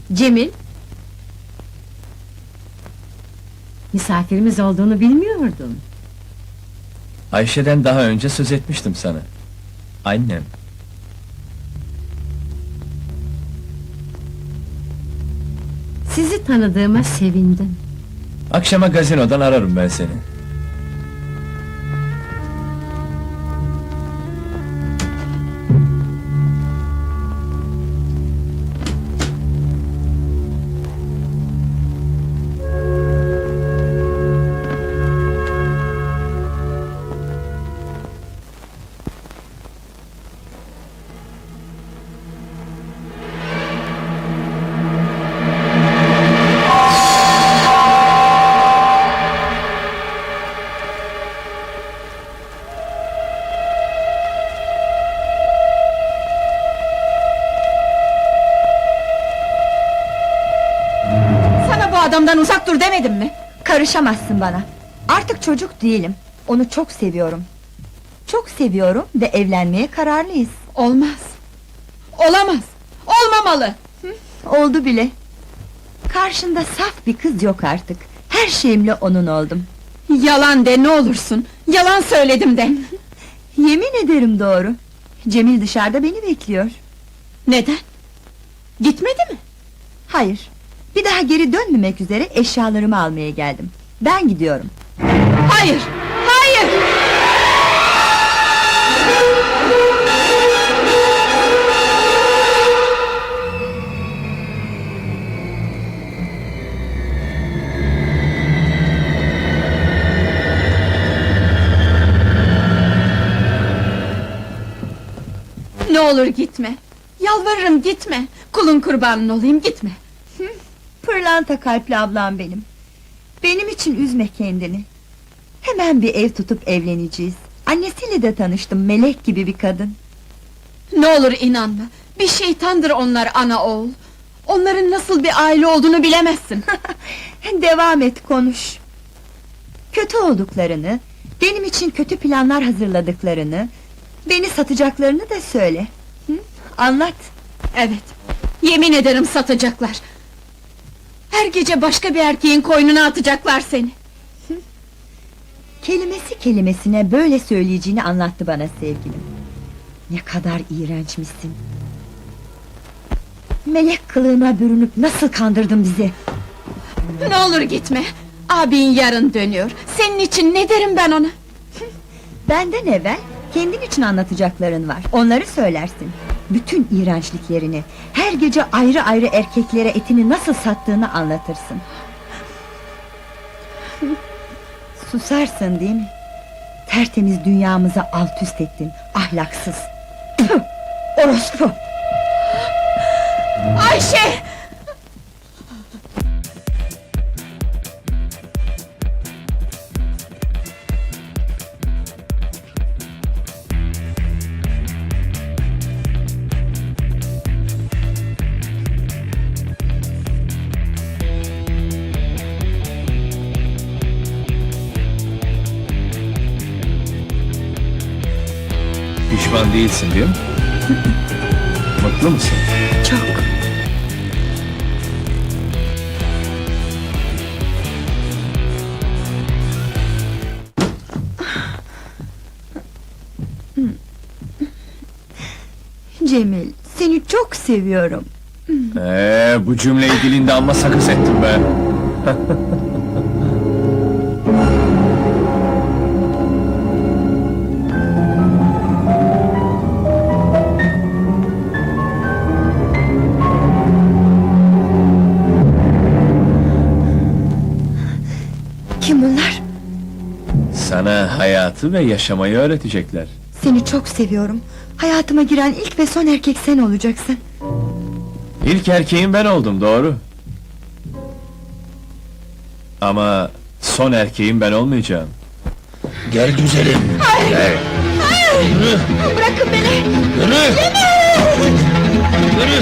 Cemil! Misafirimiz olduğunu bilmiyordum. Ayşe'den daha önce söz etmiştim sana. Annem. Sizi tanıdığıma sevindim. Akşama gazinodan ararım ben seni. Adamdan uzak dur demedim mi? Karışamazsın bana. Artık çocuk değilim. Onu çok seviyorum. Çok seviyorum ve evlenmeye kararlıyız. Olmaz. Olamaz. Olmamalı. Oldu bile. Karşında saf bir kız yok artık. Her şeyimle onun oldum. Yalan de ne olursun. Yalan söyledim de. Yemin ederim doğru. Cemil dışarıda beni bekliyor. Neden? Gitmedi mi? Hayır. Bir daha geri dönmemek üzere eşyalarımı almaya geldim. Ben gidiyorum. Hayır! Hayır! Ne olur gitme. Yalvarırım gitme. Kulun kurbanın olayım gitme. Pırlanta kalpli ablam benim. Benim için üzme kendini. Hemen bir ev tutup evleneceğiz. Annesiyle de tanıştım, melek gibi bir kadın. Ne olur inanma. Bir şeytandır onlar ana oğul. Onların nasıl bir aile olduğunu bilemezsin. Devam et, konuş. Kötü olduklarını, benim için kötü planlar hazırladıklarını, beni satacaklarını da söyle. Hı? Anlat. Evet, yemin ederim satacaklar. Her gece başka bir erkeğin koynuna atacaklar seni. Kelimesi kelimesine böyle söyleyeceğini anlattı bana sevgilim. Ne kadar iğrençmişsin. Melek kılığına bürünüp nasıl kandırdın bizi? Ne olur gitme. Abin yarın dönüyor. Senin için ne derim ben ona? Benden evvel kendin için anlatacakların var. Onları söylersin. Bütün iğrençliklerini, her gece ayrı ayrı erkeklere etini nasıl sattığını anlatırsın. Susarsın değil mi? Tertemiz dünyamızı alt üst ettin, ahlaksız. Tüh! Orospu! Ayşe! Pişman değilsin değil mi? Mutlu musun? Çok! Cemil, seni çok seviyorum. Bu cümleyi dilinde amma sakız ettin be! Kim bunlar? Sana hayatı ve yaşamayı öğretecekler. Seni çok seviyorum. Hayatıma giren ilk ve son erkek sen olacaksın. İlk erkeğin ben oldum, doğru. Ama son erkeğin ben olmayacağım. Gel güzelim. Gel. Yürü. Bırakın beni! Yürü. Yürü.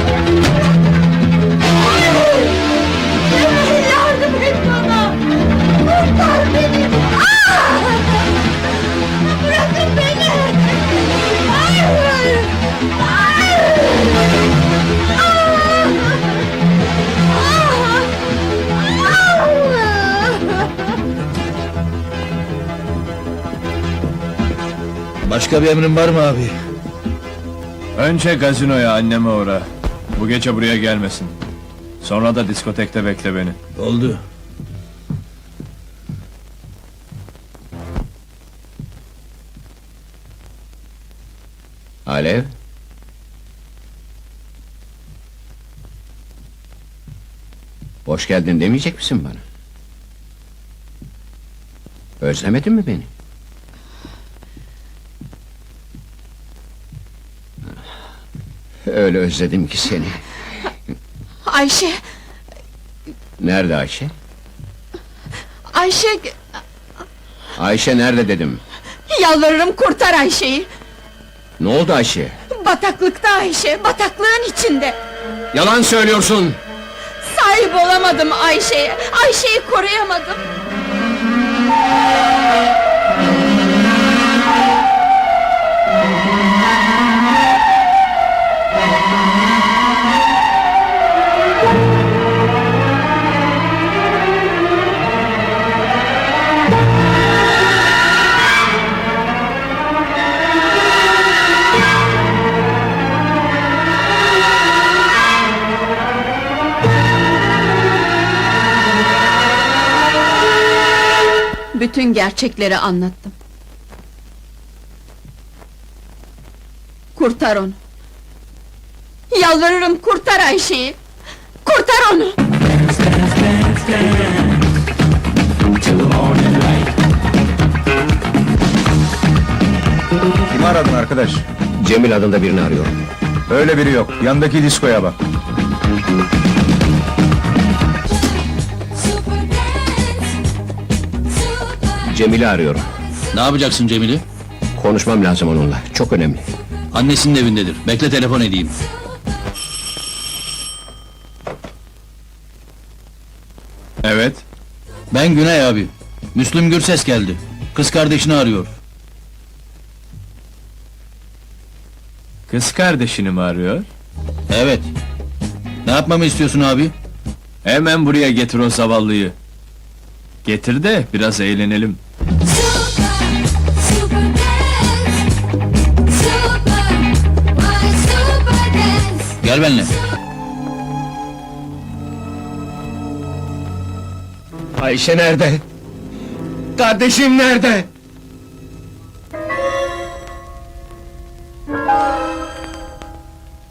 Yardım et bana! Kurtar beni! Bırakın beni! Hayır! Hayır! Başka bir emrin var mı abi? Önce gazinoya anneme uğra. Bu gece buraya gelmesin. Sonra da diskotekte bekle beni. Oldu. Alev? Hoş geldin demeyecek misin bana? Özlemedin mi beni? Öyle özledim ki seni. Ayşe, Nerede Ayşe? Ayşe, Ayşe nerede dedim. yalvarırım kurtar Ayşe'yi. Ne oldu Ayşe? Bataklıkta Ayşe, bataklığın içinde. Yalan söylüyorsun! Sahip olamadım Ayşe'ye, Ayşe'yi koruyamadım. Bütün gerçekleri anlattım. Kurtar onu. Yalvarırım kurtar Ayşe'yi. Kurtar onu. Kimi aradın arkadaş? Cemil adında birini arıyorum. Öyle biri yok. Yandaki diskoya bak. Cemil'i arıyorum. Ne yapacaksın Cemil'i? Konuşmam lazım onunla. Çok önemli. Annesinin evindedir. Bekle telefon edeyim. Evet. Ben Güney abi. Müslüm Gürses geldi. Kız kardeşini arıyor. Kız kardeşini mi arıyor? Evet. Ne yapmamı istiyorsun abi? Hemen buraya getir o zavallıyı. Getir de biraz eğlenelim. Gel benimle. Ayşe nerede? Kardeşim nerede?